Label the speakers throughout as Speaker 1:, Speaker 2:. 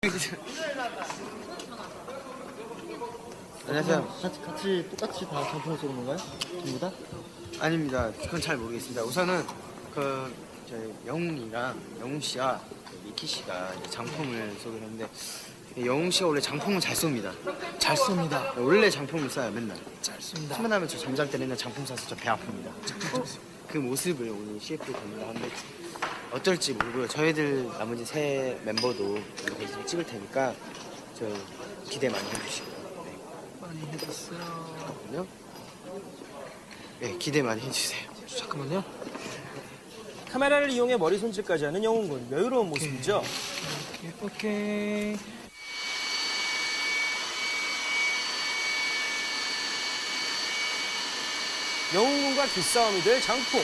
Speaker 1: 안녕하세요.
Speaker 2: 같이 똑같이 다 장풍을 쏘는 건가요? 전부 다?
Speaker 1: 아닙니다. 그건 잘 모르겠습니다. 우선은 저희 영웅 씨와 미키 씨가 이제 장풍을 쏘기로 했는데 영웅 씨가 원래 장풍을 잘 쏩니다.
Speaker 3: 잘 쏩니다.
Speaker 1: 원래 장풍을 쏴요 맨날.
Speaker 3: 잘 쏩니다.
Speaker 1: 퇴근하면 저 잠잘 때 맨날 장풍 쏴서 저 배 아픕니다. 그 모습을 오늘 CF에 겁니다. 한데 어쩔지 모르고요. 저희들 나머지 세 멤버도 여기서 찍을 테니까 저 기대 많이 해주시고요. 네.
Speaker 3: 많이 해줬어요.
Speaker 1: 잠깐만요. 네, 기대 많이 해주세요.
Speaker 3: 잠깐만요.
Speaker 4: 카메라를 이용해 머리 손질까지 하는 영웅군. 여유로운 모습이죠.
Speaker 3: 오케이.
Speaker 4: 영웅군과 기싸움이 될 장풍.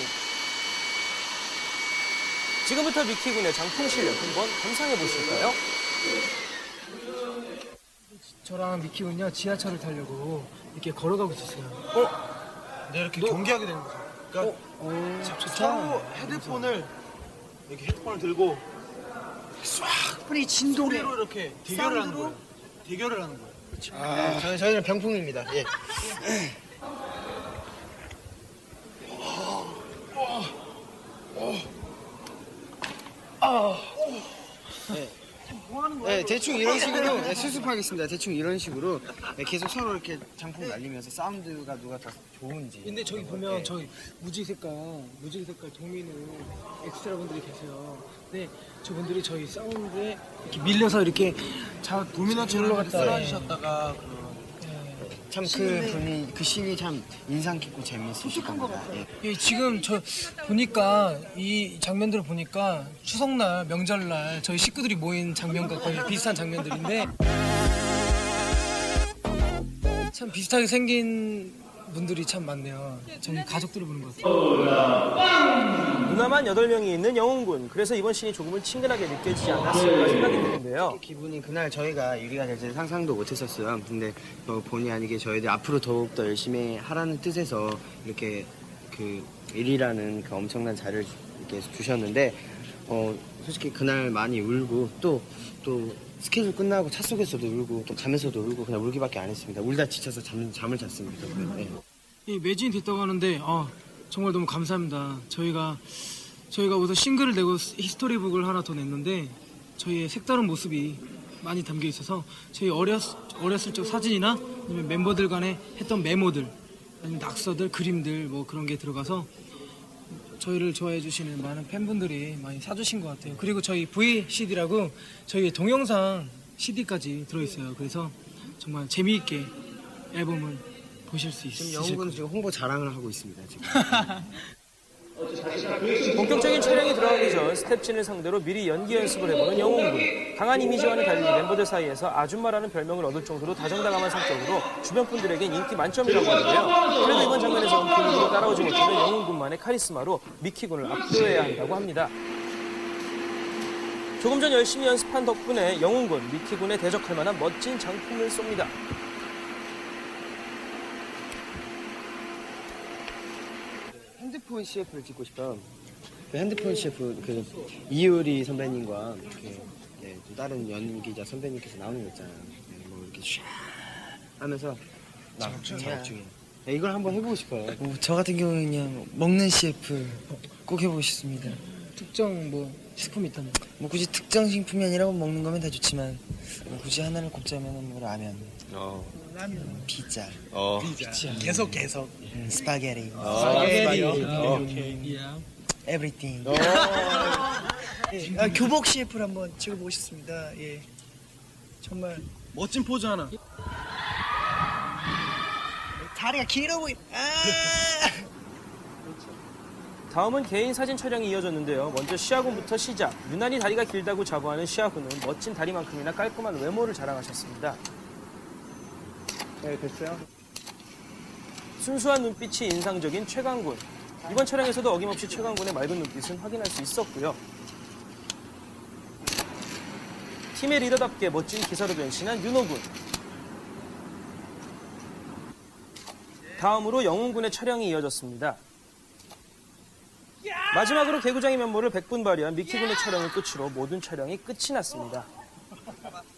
Speaker 4: 지금부터 미키군의 장풍 실력 한번 감상해 보실까요?
Speaker 3: 저랑 미키군요 지하철을 타려고 이렇게 걸어가고 있었어요.
Speaker 5: 네, 이렇게 경기하게 되는 거죠. 그러니까 서로 헤드폰을 이렇게 헤드폰을 들고 쫙
Speaker 1: 진동에
Speaker 5: 소리로 이렇게 대결을 하는 거예요. 대결을 하는 거예요.
Speaker 1: 저희는 병풍입니다. 예. 네, 대충 이런 식으로 수습하겠습니다. 대충 이런 식으로 계속 서로 이렇게 장풍 날리면서 사운드가 누가 더 좋은지.
Speaker 3: 근데 저기 보면 저희 무지개 색깔 도미는 엑스트라 분들이 계세요. 근데 저분들이 저희 사운드에 이렇게 밀려서 이렇게
Speaker 5: 도미노처럼
Speaker 3: 올라갔다.
Speaker 5: 쓰러지셨다가
Speaker 1: 참 그 분이 그 씬이 참 인상 깊고 재밌으실 겁니다. 예.
Speaker 3: 예, 지금 저 보니까 이 장면들을 보니까 추석날 명절날 저희 식구들이 모인 장면과 거의 비슷한 장면들인데 참 비슷하게 생긴 분들이 참 많네요. 저희 가족들을 보는 것 같아요.
Speaker 4: 누나만 8명이 있는 영웅군. 그래서 이번 씬이 조금은 친근하게 느껴지지 않았을까 생각이 드는데요.
Speaker 1: 기분이 그날 저희가 유리가 될지 상상도 못했었어요. 근데 본의 아니게 저희들 앞으로 더욱 더 열심히 하라는 뜻에서 이렇게 그 일이라는 그 엄청난 자리를 이렇게 주셨는데 솔직히 그날 많이 울고 또 스케줄 끝나고 차 속에서도 울고 또 가면서도 울고 그냥 울기밖에 안 했습니다. 울다 지쳐서 잠을 잤습니다. 네.
Speaker 3: 예, 매진이 됐다고 하는데 정말 너무 감사합니다. 저희가 우선 싱글을 내고 히스토리북을 하나 더 냈는데 저희의 색다른 모습이 많이 담겨 있어서 저희 어렸을 적 사진이나 아니면 멤버들 간에 했던 메모들 아니면 낙서들 그림들 뭐 그런 게 들어가서 저희를 좋아해 주시는 많은 팬분들이 많이 사주신 것 같아요. 그리고 저희 VCD라고 저희 동영상 CD까지 들어있어요. 그래서 정말 재미있게 앨범을 보실 수
Speaker 1: 지금
Speaker 3: 있으실
Speaker 1: 영웅은
Speaker 3: 거예요.
Speaker 1: 지금 홍보 자랑을 하고 있습니다. 지금.
Speaker 4: 본격적인 촬영이 들어가기 전 스텝진을 상대로 미리 연기 연습을 해보는 영웅군. 강한 이미지와는 달리 멤버들 사이에서 아줌마라는 별명을 얻을 정도로 다정다감한 성격으로 주변 분들에겐 인기 만점이라고 하는데요. 그래도 이번 장면에서 본인으로 따라오지 못하는 영웅군만의 카리스마로 미키군을 압도해야 한다고 합니다. 조금 전 열심히 연습한 덕분에 영웅군, 미키군에 대적할 만한 멋진 장품을 쏩니다.
Speaker 1: 핸드폰 CF를 찍고 싶어요. 그 핸드폰 CF 그 이효리 선배님과 또 다른 연기자 선배님께서 나오는 거 있잖아요. 뭐 이렇게 샤 하면서 작업 중이에요. 이걸 한번 해보고 싶어요.
Speaker 2: 저 같은 경우는 그냥 먹는 CF 꼭 해보고 싶습니다.
Speaker 3: 특정 뭐 식품이 있다면
Speaker 2: 뭐 굳이 특정 식품이 아니라 먹는 거면 다 좋지만 굳이 하나를 꼽자면 뭐 라면, 피자,
Speaker 5: 계속
Speaker 2: 스파게티, everything. 교복 CF를 한번 찍어보고 싶습니다. 예, 정말
Speaker 5: 멋진 포즈 하나.
Speaker 2: 다리가 길어 보이.
Speaker 4: 다음은 개인 사진 촬영이 이어졌는데요. 먼저 시아군부터 시작. 유난히 다리가 길다고 자부하는 시아군은 멋진 다리만큼이나 깔끔한 외모를 자랑하셨습니다.
Speaker 1: 네, 됐어요.
Speaker 4: 순수한 눈빛이 인상적인 최강군. 이번 촬영에서도 어김없이 최강군의 맑은 눈빛은 확인할 수 있었고요. 팀의 리더답게 멋진 기사로 변신한 윤호군. 다음으로 영웅군의 촬영이 이어졌습니다. 마지막으로 개구장의 면모를 100분 발휘한 미키군의 촬영을 끝으로 모든 촬영이 끝이 났습니다.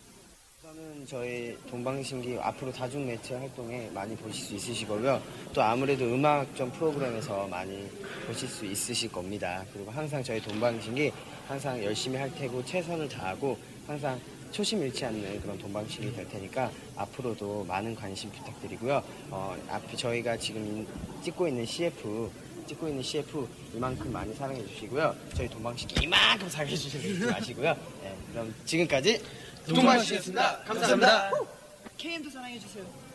Speaker 1: 저는 저희 동방신기 앞으로 다중 매체 활동에 많이 보실 수 있으실 거고요. 또 아무래도 음악점 프로그램에서 많이 보실 수 있으실 겁니다. 그리고 항상 저희 동방신기 항상 열심히 할 테고 최선을 다하고 항상 초심 잃지 않는 그런 동방신기 될 테니까 앞으로도 많은 관심 부탁드리고요. 앞에 저희가 지금 찍고 있는 CF 이만큼 많이 사랑해 주시고요. 저희 동방신기 이만큼 사랑해 주시지 마시고요. 네, 그럼 지금까지 동방신기였습니다. 감사합니다.
Speaker 2: KM도 사랑해주세요.